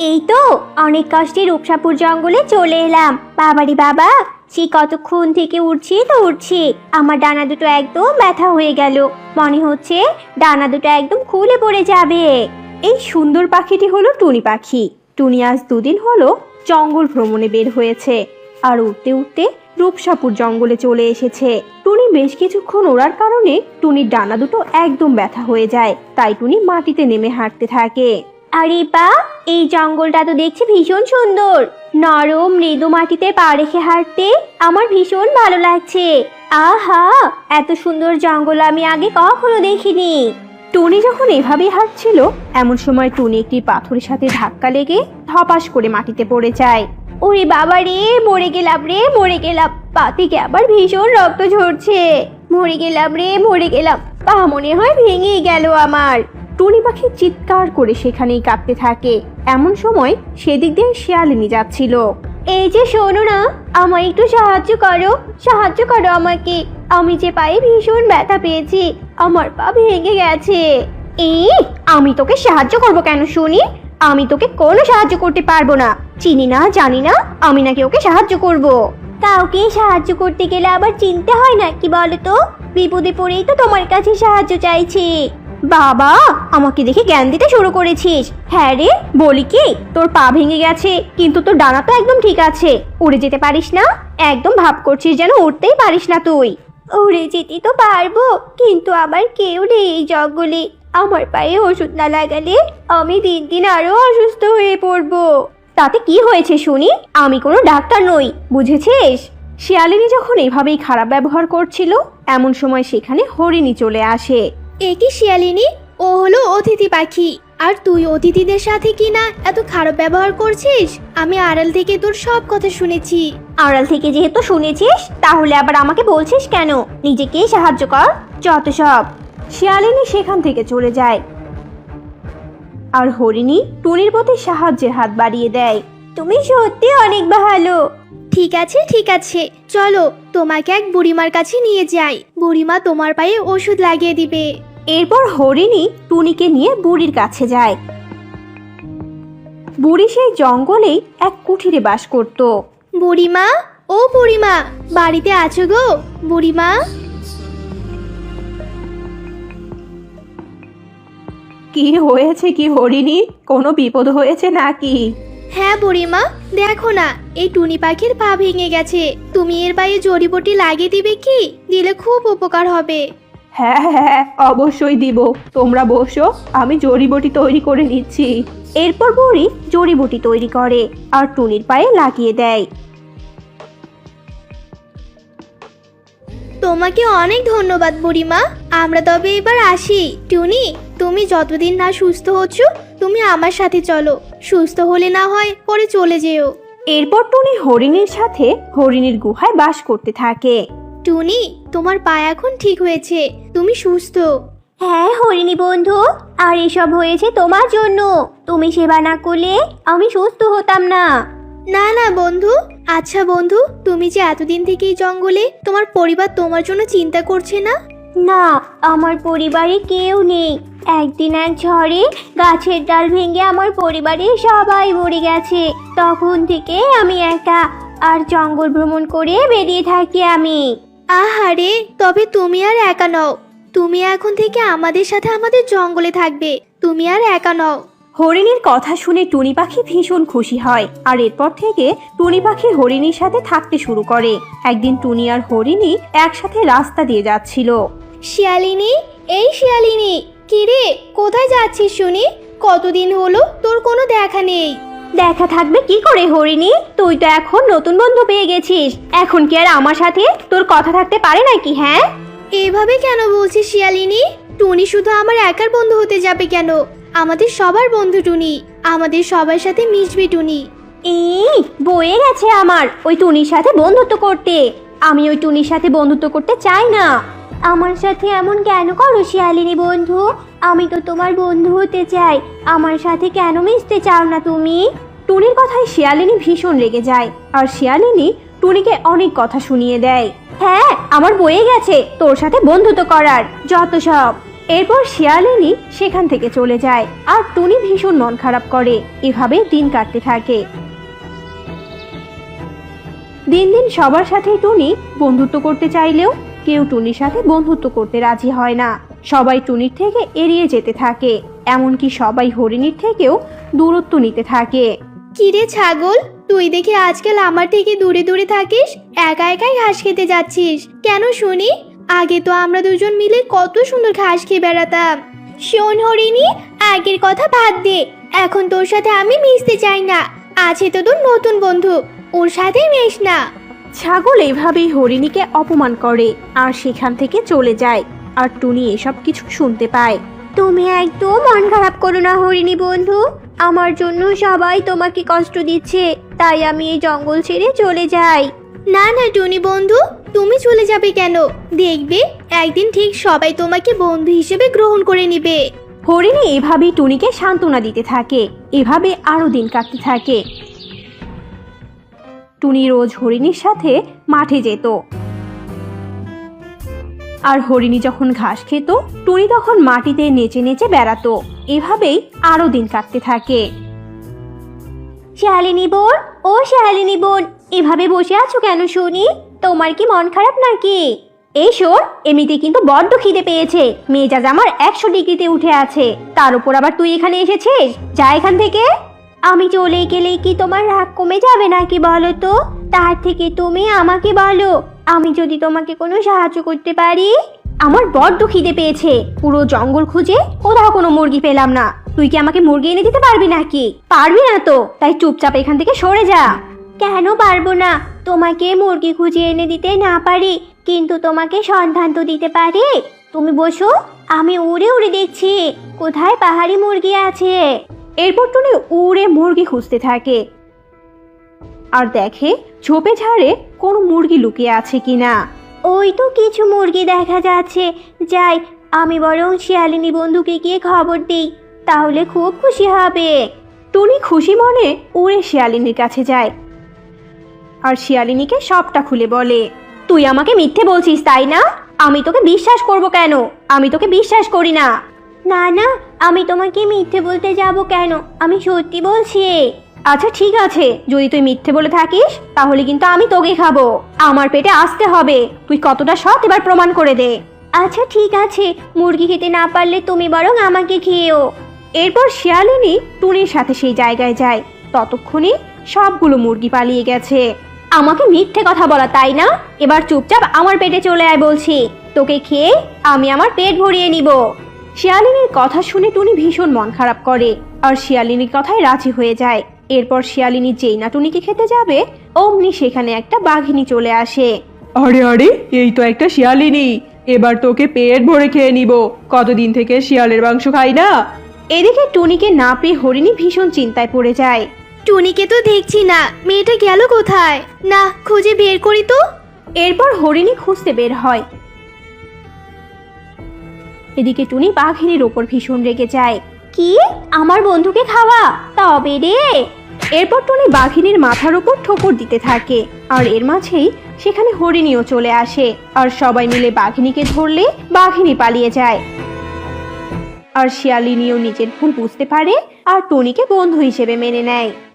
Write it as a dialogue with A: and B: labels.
A: এই তো অনেক কষ্টে রূপসাপুর জঙ্গলে চলে এলাম। বাবারি বাবা, সে কতক্ষণ থেকে উঠছি আমার ডানা দুটো একদম ব্যথা হয়ে গেল। মনে হচ্ছে ডানা দুটো একদম খুলে পড়ে যাবে।
B: এই সুন্দর পাখিটি হলো টুনি পাখি। টুনি আজ 2 দিন হলো জঙ্গল ভ্রমণে বের হয়েছে আর উঠতে উঠতে রূপসাপুর জঙ্গলে চলে এসেছে। টুনি বেশ কিছুক্ষণ ওড়ার কারণে টুনির ডানা দুটো একদম ব্যথা হয়ে যায়, তাই টুনি মাটিতে নেমে হাঁটতে থাকে।
A: আরে বা, এই জঙ্গলটা তো দেখছি ভীষণ সুন্দর। নরম মৃদু মাটিতে পা রেখে হাঁটতে আমার ভীষণ ভালো লাগছে। আহা, এত সুন্দর জঙ্গল আমি আগে কখনো দেখিনি।
B: টুনি যখন এভাবেই হাঁটছিল এমন সময় টুনি একটি পাথরের সাথে ধাক্কা লেগে ধপাস করে মাটিতে পড়ে যায়।
A: ওরে বাবা রে, মরে গেলাম রে, মরে গেলাম। পা থেকে আবার ভীষণ রক্ত ঝরছে। মরে গেলাম রে, মরে গেলাম। পা মনে হয় ভেঙে গেল আমার।
B: টুনি পাখি চিৎকার করে সেখানেই কাঁপতে থাকে। এমন সময় সেদিক দিয়ে শিয়ালিনী যাচ্ছিল।
A: এই যে শোনো না, আমায় একটু সাহায্য করো আমাকে। আমি যে পায়ে ভীষণ ব্যথা পেয়েছি, আমার পা ভেঙে গেছে। এই, আমি তোকে সাহায্য করব কেন শুনি? আমি তোকে কোনো সাহায্য করতে পারবো না। চিনি না, জানি না, আমি নাকি ওকে সাহায্য করব। কাউকে সাহায্য করতে গেলে আবার চিনতে হয় না কি বলো তো? বিপদে পড়েই তো তোমার কাছে সাহায্য চাইছি। বাবা, আমাকে দেখে জ্ঞান দিতে শুরু করেছিস? হ্যাঁ রে, বলি কি, তোর পা ভেঙে গেছে কিন্তু তোর ডানা তো একদম ঠিক আছে। উড়ে যেতে পারিস না? একদম ভাব করছিস যেন উড়তেই পারিস না তুই। উড়ে যেতে তো পারবো, কিন্তু আবার কেউ নেই এই জঙ্গলে। আমার পায়ে ওষুধ না লাগালে আমি দিন দিন আরো অসুস্থ হয়ে পড়বো। তাতে কি হয়েছে শুনি? আমি কোনো ডাক্তার নই, বুঝেছিস?
B: শিয়ালিনী যখন এভাবেই খারাপ ব্যবহার করছিল এমন সময় সেখানে হরিণী চলে আসে।
C: এ কি শিয়ালিনী? ও হলো অতিথি পাখি, আর তুই অতিথিদের সাথে কিনা এত খারাপ ব্যবহার করছিস। আমি আড়াল থেকে তোর সব কথা শুনেছি।
A: আড়াল থেকে যেহেতু শুনেছিস, তাহলে আবার আমাকে বলছিস কেন? নিজেকে সাহায্য কর, যত সব।
B: শিয়ালিনী সেখান থেকে চলে যায় আর হরিণী টুনির প্রতি সাহায্যের হাত বাড়িয়ে দেয়।
A: তুমি সত্যি অনেক ভালো।
C: ঠিক আছে, চলো তোমাকে এক বুড়িমার কাছে নিয়ে যাই। বুড়িমা তোমার পায়ে ওষুধ লাগিয়ে দিবে।
B: এরপর হরিণী টুনিকে নিয়ে বুড়ির কাছে যায়। বুড়ি সেই জঙ্গলেই এক কুঠিরে বাস করত।
C: বুড়িমা, ও বুড়িমা, বাড়িতে আছো গো? বুড়িমা,
B: কি হয়েছে কি হরিণী? কোনো বিপদ হয়েছে নাকি?
C: হ্যাঁ বুড়িমা, দেখো না, এই টুনি পাখির পা ভেঙে গেছে। তুমি এর পায়ে জড়িবটি লাগিয়ে দিবে কি? দিলে খুব উপকার হবে।
B: হ্যাঁ হ্যাঁ, অবশ্যই দিব। তোমরা বসো, আমি জড়িবটি তৈরি করে নিচ্ছি। এরপর বুড়ি জড়িবটি তৈরি করে আর টুনির পায়ে লাগিয়ে দেয়।
C: তোমাকে অনেক ধন্যবাদ বুড়িমা। আমরা তবে এবার আসি। টুনি, তুমি যতদিন না সুস্থ হচ্ছ তুমি আমার সাথে চলো। সুস্থ হলে না হয় পরে চলে যেও।
B: এরপর টুনি হরিণীর সাথে হরিণীর গুহায় বাস করতে থাকে।
C: টুনি, তোমার পা এখন ঠিক হয়েছে, তুমি সুস্থ।
A: হ্যাঁ হরিণী বন্ধু, আর এসব হয়েছে তোমার জন্য। তুমি সেবা না করলে আমি সুস্থ হতাম না।
C: না না বন্ধু। আচ্ছা বন্ধু, তুমি যে এতদিন থেকে এই জঙ্গলে, তোমার পরিবার তোমার জন্য চিন্তা করছে না?
A: না, আমার পরিবারে কেউ নেই। একদিন এক ঝড়ে গাছের ডাল ভেঙে আমার পরিবারের সবাই মরে গেছে। তখন থেকে আমি একা, আর জঙ্গল ভ্রমণ করে বেরিয়ে থাকি আমি।
C: আহারে, তবে তুমি আর একা নও। তুমি এখন থেকে আমাদের সাথে আমাদের জঙ্গলে থাকবে। তুমি আর একা নও।
B: হরিণীর কথা শুনে টুনি পাখি ভীষণ খুশি হয় আর এরপর থেকে টুনি পাখি হরিণীর সাথে থাকতে শুরু করে। একদিন টুনি আর হরিণী একসাথে রাস্তা দিয়ে যাচ্ছিল।
C: শিয়ালিনী, এই শিয়ালিনী, কিরে কোথায় যাচ্ছিস শুনি? কতদিন হলো তোর কোনো দেখা নেই।
A: দেখা থাকবে কি করে হরিণী? তুই তো এখন নতুন বন্ধু পেয়ে গেছিস। এখন কি আর আমার সাথে তোর কথা থাকতে পারে নাকি? হ্যাঁ,
C: এভাবে কেন বলছিস শিয়ালিনী? টুনি শুধু আমার একার বন্ধু হতে যাবে কেন? আমাদের সবার বন্ধু টুনি, আমাদের সবার সাথে মিশবে টুনি।
A: এই বয়ে গেছে আমার ওই টুনির সাথে বন্ধুত্ব করতে। আমি ওই টুনির সাথে বন্ধুত্ব করতে চাই না। আমার সাথে এমন কেন করো শিয়ালিনী বন্ধু? আমি তো তোমার বন্ধু হতে চাই। আমার সাথে কেন মিশতে চাও না তুমি?
B: টুনির কথায় শিয়ালিনী ভীষণ রেগে যায় আর শিয়ালিনী টুনিকে অনেক কথা শুনিয়ে দেয়।
A: হ্যাঁ, আমার বয়ে গেছে তোর সাথে বন্ধুত্ব করার, যত সব।
B: এরপর শিয়ালিনী সেখান থেকে চলে যায় আর টুনি ভীষণ মন খারাপ করে। এভাবে দিন কাটতে থাকে। দিন দিন সবার সাথে টুনি বন্ধুত্ব করতে চাইলেও কেউ টুনির সাথে বন্ধুত্ব করতে রাজি হয় না। সবাই টুনির থেকে এড়িয়ে যেতে থাকে, এমনকি সবাই হরিণীর থেকেও দূরত্ব নিতে থাকে।
C: কিরে ছাগল, তুই দেখি আজকাল আমার থেকে দূরে দূরে থাকিস, একা একাই ঘাস খেতে যাচ্ছিস কেন শুনি? আগে তো আমরা দুজন মিলে কত সুন্দর ঘাস খেয়ে বেড়াতাম। শোন হরিণী, আগের কথা বাদ দে, এখন তোর সাথে আমি মিশতে চাই না। আছে তো তোর নতুন বন্ধু, ওর সাথে মেশ না।
B: ছাগল এভাবেই হরিণীকে অপমান করে আর সেখান থেকে চলে যায়। আর টুনি এসব কিছু শুনতে পায়।
A: তুমি একদম মন খারাপ করো না হরিণী বন্ধু, আমার জন্য সবাই তোমাকে কষ্ট দিচ্ছে, তাই আমি এই জঙ্গল ছেড়ে চলে যাই।
C: না না টুনি বন্ধু, তুমি চলে যাবে কেন? দেখবে একদিন ঠিক সবাই তোমাকে বন্ধু হিসেবে গ্রহণ করে নিবে।
B: হরিণী এভাবেই টুনিকে সান্ত্বনা দিতে থাকে। এভাবে আরো দিন কাটতে থাকে। টুনি রোজ হরিণীর সাথে মাঠে যেত। আর হরিণী যখন ঘাস খেত, টুনি তখন মাটিতে নেচে নেচে বেড়াতো। এভাবেই আরো দিন কাটতে থাকে।
A: শালিনী বোন, ও শালিনী বোন, এভাবে বসে আছো কেন শুনি? তোমার কি মন খারাপ নাকি? এই শোন, এমনিতে কিন্তু বড্ড খিদে পেয়েছে, মেজাজ আমার 100 ডিগ্রিতে উঠে আছে, তার উপর আবার তুই এখানে এসেছিস। যা এখান থেকে। আমি চলে গেলে কি তোমার রাগ কমে যাবে নাকি বলো তো? তার থেকে তুমি আমাকে বলো, আমি যদি তোমাকে কোনো সাহায্য করতে পারি। আমার বড্ড খিদে পেয়েছে, পুরো জঙ্গল খুঁজে কোথাও কোনো মুরগি পেলাম না। তুই কি আমাকে মুরগি এনে দিতে পারবি নাকি? পারবি না তো, তাই চুপচাপ এখান থেকে সরে যা। কেন পারবো না? তোমাকে মুরগি খুঁজে এনে দিতে না পারি, কিন্তু তোমাকে সন্ধান তো দিতে পারি। তুমি বসো, আমি উড়ে উড়ে দেখছি কোথায় পাহাড়ি মুরগি আছে।
B: এরপর টুনি উড়ে মুরগি খুঁজতে থাকে আর দেখে ঝোপে ঝাড়ে কোনো মুরগি লুকিয়ে আছে কিনা।
A: ওই তো কিছু মুরগি দেখা যাচ্ছে, যাই আমি বরং শিয়ালিনী বন্ধুকে গিয়ে খবর দিই, তাহলে খুব খুশি হবে।
B: টুনি খুশি মনে উড়ে শিয়ালিনীর কাছে যায় আর শিয়ালিনীকে সবটা খুলে বলে।
A: তুই আমাকে মিথ্যে বলছিস তাই না? আমি তোকে বিশ্বাস করব কেন? আমি তোকে বিশ্বাস করি না। না না, আমি তোমাকে মিথ্যে বলতে যাব কেন? আমি সত্যি বলছি।
B: আচ্ছা ঠিক আছে, যদি তুই মিথ্যে বলে থাকিস তাহলে কিন্তু আমি তোকে খাবো। আমার পেটে আসতে হবে, তুই কতটা সৎ এবার প্রমাণ করে দে।
A: আচ্ছা ঠিক আছে, মুরগি খেতে না পারলে তুমি বরং আমাকে খেয়েও।
B: এরপর শিয়ালিনী টুনির সাথে সেই জায়গায় যায়। ততক্ষণে সবগুলো মুরগি পালিয়ে গেছে।
A: আমাকে মিথ্যে কথা বলা তাই না? এবার চুপচাপ আমার পেটে চলে আয় বলছি, তোকে খেয়ে আমি আমার পেট ভরিয়ে নিব।
B: শিয়ালিনীর কথা শুনে টুনি ভীষণ মন খারাপ করে আর শিয়ালিনীর কথায় রাজি হয়ে যায়। এরপর শিয়ালিনী যেই না টুনিকে খেতে যাবে, অমনি সেখানে একটা বাঘিনী চলে আসে।
D: আরে আরে, এই তো একটা শিয়ালিনী, এবার তোকে পেট ভরে খেয়ে নিব। কতদিন থেকে শিয়ালের মাংস খাই না।
B: এদিকে টুনিকে না পেয়ে হরিণী ভীষণ চিন্তায় পড়ে যায়।
C: টুনিকে তো দেখছি না, মেয়েটা গেল কোথায়? না, খুঁজে বের করি তো।
B: এরপর হরিণী খুঁজতে বের হয়। এদিকে টুনি বাঘিনীর ওপর ভীষণ রেগে যায়।
A: কি? আমার বন্ধুকে খাওয়া? তবে রে।
B: এরপর টুনি বাঘিনীর মাথার উপর ঠোকর দিতে থাকে আর এর মাঝেই সেখানে হরিণীও চলে আসে আর সবাই মিলে বাঘিনীকে ধরলে বাঘিনী পালিয়ে যায়। আর শিয়ালিনীও নিজের ভুল বুঝতে পারে আর টুনিকে বন্ধু হিসেবে মেনে নেয়।